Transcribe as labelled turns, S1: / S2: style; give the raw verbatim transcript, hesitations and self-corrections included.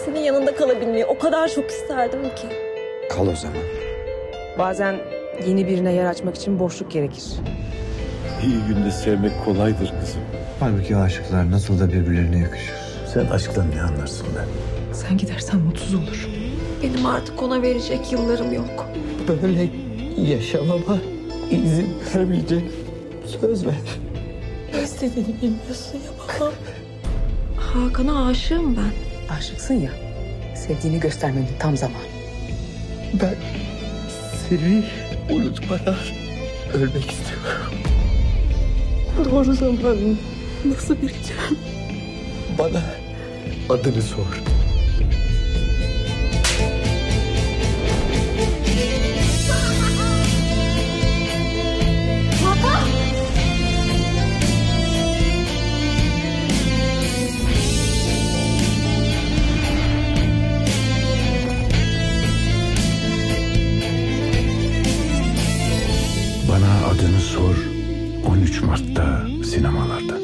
S1: senin yanında kalabilmeyi o kadar çok isterdim ki.
S2: Kal o zaman.
S3: Bazen yeni birine yer açmak için boşluk gerekir.
S4: İyi günde sevmek kolaydır kızım.
S2: Halbuki aşıklar nasıl da birbirlerine yakışır.
S4: Sen aşktan ne anlarsın be?
S3: Sen gidersen mutsuz olur.
S1: Benim artık ona verecek yıllarım yok.
S5: Böyle yaşamama izin vermeyecek. Söz ver.
S1: Ne istediğini bilmiyorsun ya baba. Hakan'a aşığım ben.
S3: Aşıksın ya, sevdiğini göstermenin tam zamanı.
S5: Ben seni unutmadan ölmek istiyorum.
S1: Doğru zamanı nasıl bileceğim?
S5: Bana adını sor.
S4: Bana adını sor. on üç Mart'ta sinemalarda.